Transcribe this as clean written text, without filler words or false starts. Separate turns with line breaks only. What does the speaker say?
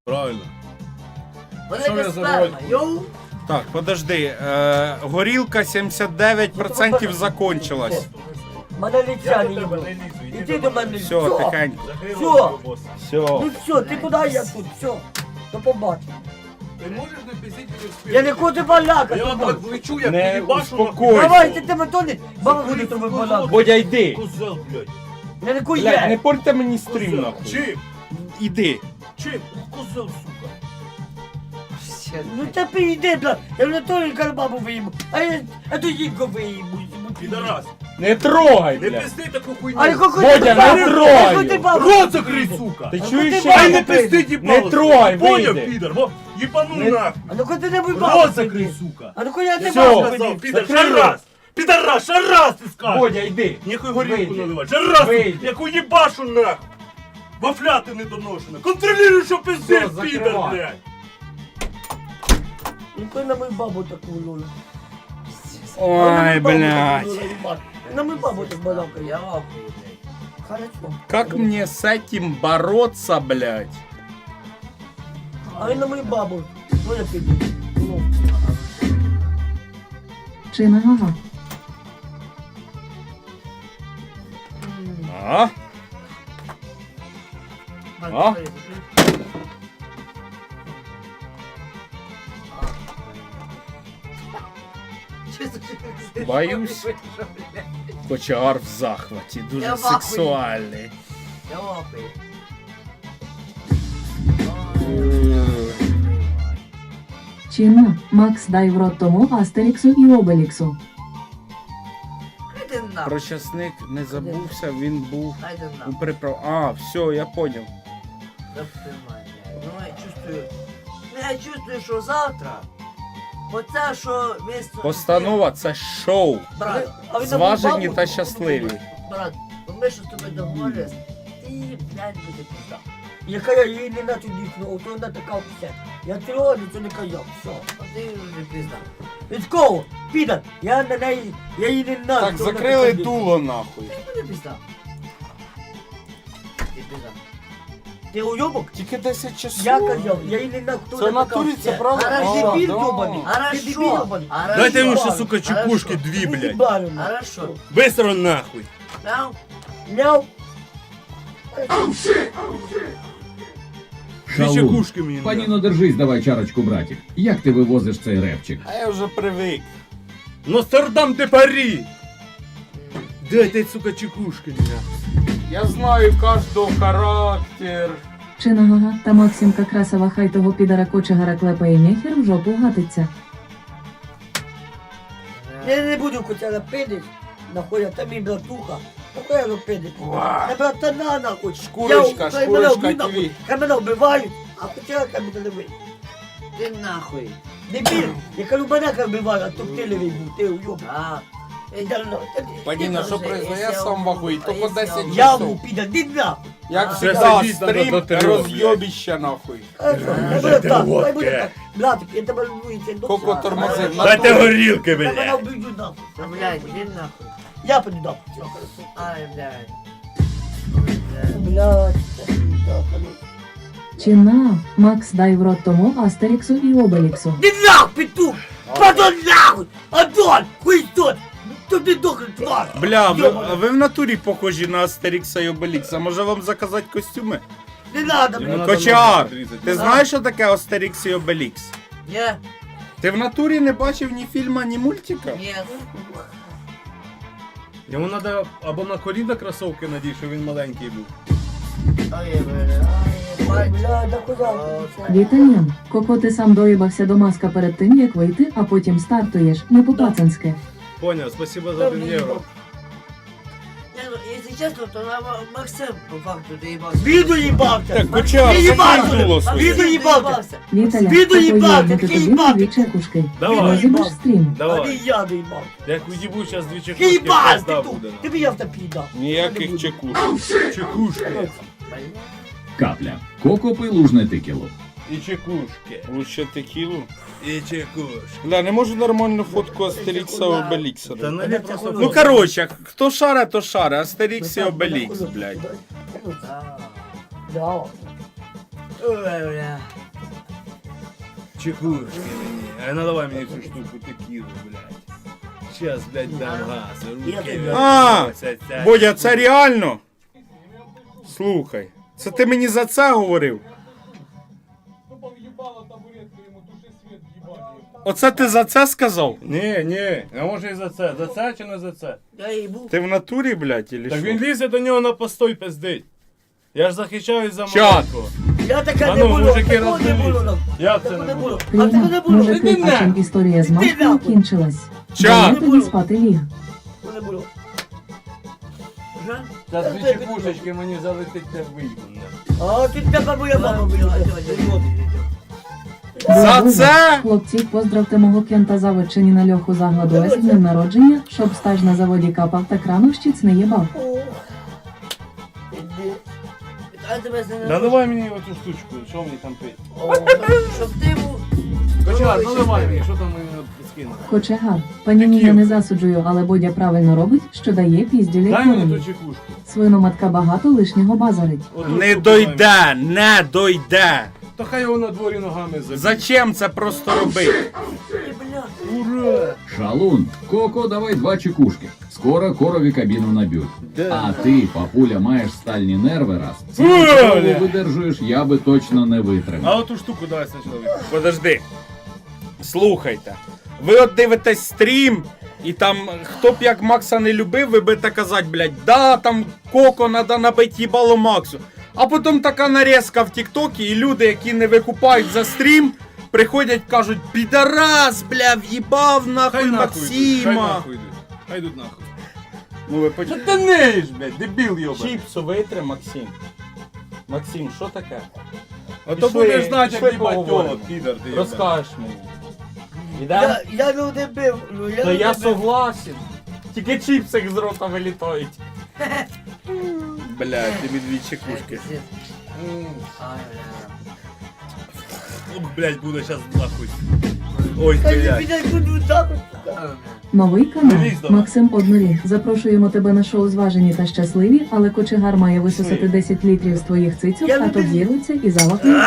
Правильно.
Велика сперма, йоу!
Так, подожди. Горілка 79% закончилась.
Мене лиця не їбало. Іди до мене.
Все, тихенько.
Все.
Все.
Ну все, ти куди я тут? Все. До побачення.
Ти можеш не пиздіть мені в спину?
Я не хочу балакати.
Я так влечу, як
Не
їбашу.
успокойся.
Давай, ти тебе то не. Баба буде тобі балакати.
Бодя, йди.
Козел, блядь.
Я не
Блядь, не
кує.
портьте мені стрім, нахуй.
Чим?
Іди.
Чим? Козел, сука.
Ну ти йди, бля. Я вже то бабу виїбу. А то їбку виїбу.
Підарас.
Не трогай,
Не
блядь.
пизди таку хуйню.
А яку
Бодя, не трогай.
Рот закрий, сука.
Ти
А
чуєш,
ти
що
Ай,
я
не пизди, їбало.
Не трогай,
Поняв,
вийди.
підар? Во, їбану
Не-
нахуй.
А ну-ка ти не вибав.
Рот закрий, сука.
А ну-ка я не
Всьо.
бабу
Сказав,
виїбу.
підар,
Закрий
ще
рот.
раз. Підарас, ще раз ти скажеш.
Бодя, йди.
Ніхуй горілку
Вийди.
наливай. Ще раз,
Вийди.
яку їбашу нахуй. Вафляти недоношена. Контролюй, що пиздиш,
Всьо,
підар,
закривай.
блядь.
Ну ти на мою бабу таку лолу.
Ой, блядь.
На мою бабу так балакає.
Я лапаю, блядь.
Хорошо.
Как мне с этим бороться, блядь?
А він на мою бабу. Ну я піду. Ну.
Чи на гага?
А? А? Боюсь. Кочегар в захваті, дуже
Я в ахуї.
сексуальний.
Я лапаю.
Чинно, Макс дай в рот тому Астеріксу і Обеліксу.
Хайди нахуй.
Про часник не забувся, він був
Хайди
у
нахуй.
приправ. А, все, я поняв.
Запрямай, блядь. Ну я чувствую. Ну я чувствую, що завтра. Оце, що місто.
Постанова це шоу.
Брат,
А він на мою
Зважені
бабу
та
таку
щасливі.
брат, ми що з тобою договорились. Ти, блядь, буде пізда.
Яка я її не наче дійсно, ото вона така вся. Я трогаю, це не каяв, все.
А ти вже пізда.
Від кого? Піда, я на неї, я її не знаю.
Так,
хто вона
закрили
така
дуло нахуй.
Ти буде пізда. Ти пізда.
дійсно. Ти уйобок?
Тільки 10 часов.
Я казав, я її не знаю, хто
Це
вона
в
така
натурі, це
вся.
правда?
А,
Хорошо.
дебіл
Да.
йобаний. Ти дебіл
Хорошо.
йобаний.
Дайте йому ще,
Хорошо.
сука, чекушки
Хорошо.
дві,
Ти
блядь.
їбаний.
Хорошо.
Быстро нахуй.
Мяу.
Мяу.
Дві
Шалун.
чекушки мені.
Паніно, держись, давай чарочку, братик. Як ти вивозиш цей репчик?
А я вже привик.
Нострдам де Парі. Дайте, сука, чекушки мені.
Я знаю кожного характер.
Чи на гага та Максимка Красова хай того підара кочегара клепає нехер в жопу гатиться.
Я не буду котяра пидить, нахуй, а там і братуха. Нахуй я пидить. Не братана, нахуй.
Шкурочка,
хай мене
шкурочка
вб'ють, нахуй.
ТВ.
Хай мене вбивають, а котяра хай мене не вб'ють.
Ти нахуй.
Дебіл, я кажу, мене хай вбивають, а то ти левий був, ти уйоб.
А.
Паніна, що произошло? Я сам вахую, тільки 10
Я
часов.
му піда, ди нахуй.
Як
А,
завжди,
сидіть, надо
стрім
до трьох,
роз'єбіще нахуй.
Хай буде так, хай буде так. Братик, я тебе люблю, це до
Коко тормозив.
Дайте горілки,
Я мене
блядь.
вб'ють нахуй.
А, блядь, іди нахуй.
Я піду нахуй.
Ай, блядь.
Блядь, так, ну.
Чи на Макс дай в рот тому Астеріксу і Обеліксу.
Ди нахуй, петух! Падон нахуй! Адон! Хуйстон! Тобі дохлий твар!
Бля,
Йобаний.
ви в натурі похожі на Астерікса і Обелікса. Може вам заказати костюми?
Не надо,
Йому
блядь!
надо
Кочар,
ногу відрізати.
ти знаєш, що таке Астерікс і Обелікс?
Ні,
Ти в натурі не бачив ні фільма, ні мультика?
ні.
Йому треба або на коліна кросовки надій, що він маленький був.
Ай, блядь. Ай,
Бля, да куда ти?
Віталіан, Коко ти сам доїбався до маска перед тим, як вийти, а потім стартуєш, не по-пацанськи.
Поняв, спасибо за 1 євро.
Ні, ну, якщо чесно, то на Максим по факту доїбався.
Віду їбався!
Так, Кочар,
Ти їбався!
закрий дуло своє.
Віду їбався!
Віталя,
Віду
такої
їбати,
бути
такий
тобі
їбати.
дві чекушки.
Давай.
Розібаш стрім.
А не
Давай.
я не їбав!
Як уїбу зараз дві
Ти
чекушки,
їбав,
пизда
ти
буде.
тут! Тобі я в тебе підав!
Ніяких чекуш.
Чекушки.
Капля. Коко пий лужне тикіло.
І чекушки.
Лучше текілу.
І чекушки.
Бля, не можу нормальну фотку Астерікса і Обелікса.
Та наліп просто
Ну короче, хто шаре, то шаре. Астерікс і Обелікс, блядь.
Да.
Ой, бля.
Чекушки мені. А наливай мені цю штуку текілу, блядь. Щас, блядь, дам газ.
Я
Руки,
тебе-
А,
блядь.
Бодя, це реально? Слухай, це ти мені за це говорив? Оце ти за це сказав?
Ні, а може і за це. За це чи не за це?
Я їбу.
Ти в натурі, блядь, или
Так
що?
він лізе до нього на постой пиздить. Я ж захищаюсь за
Чат.
маленького.
Я таке
А
не
ну,
було,
мужики,
такого не було.
розберіться. Як це
Такого
не було?
А такого не
Кліна,
було.
мужики,
Іди
а чим
нахуй.
історія з
Іди
маскою
нахуй.
кінчилась?
Чат.
Я тобі спати ліг.
Такого не було. Вже?
Зараз дві чекушечки мені залетить те вийду.
А тут така моя мама була.
За
Боже,
це?
Хлопці, поздравте мого кента заводчині на льоху загладу С з днем народження, щоб стаж на заводі капав та крановщиць не їбав.
А тебе це не
Наливай мені оцю штучку, що мені там пить?
Щоб ти був...
Кочегар, наливай мені, що там мені скинули?
Кочегар, пані я не засуджую, але Бодя правильно робить, що дає піздюлі
Дай мені ту
коней.
чекушку.
Свиноматка багато лишнього базарить.
Оту
Не
штуку дай мені.
дойде, не дойде.
Та хай його на дворі ногами заб'є.
Зачем це просто робити?
Ура!
Шалун, Коко, давай 2 чекушки. Скоро корові кабіну наб'ють. А ти, папуля, маєш стальні нерви раз. Цілу видержуєш, я би точно не
А
витримав.
оту штуку дай спочатку.
Подожди. Слухайте. Ви от дивитесь стрім, і там хто б як Макса не любив, ви будете казати, блядь, да, там Коко надо набити їбало Максу. А потім така нарізка в Тіктокі, і люди, які не викупають за стрім, приходять, кажуть, підарас, бля, в'їбав нахуй
Хай нахуй йдуть, хай
Максима.
нахуй йдуть. Хай йдуть нахуй.
Ну ви
Що
почали.
ти неєш, блядь, дебіл йобаний.
Чіпсу витри, Максим. Максим, що таке?
А то
Пішли,
будеш знати,
пішли
як їбать
поговоримо.
тіло, підар ти йобаний.
Розкажеш мені. Іде?
Я ну не бив. Ну, я
Та
ну
я
не бив.
согласен. Тільки чіпсик з рота вилітають. Бля, тобі 2 чекушки.
Ай, бля.
О, блядь, буде щас нахуй. Ой,
Та не
блядь.
підай куди так.
Ай, бля.
Новий канал.
Дивись до нас.
Максим Одноріг. Запрошуємо тебе на шоу «Зважені та щасливі», але кочегар має висосати 10 літрів з твоїх цицюк,
Я
а то
люблю.
взірветься і завахне.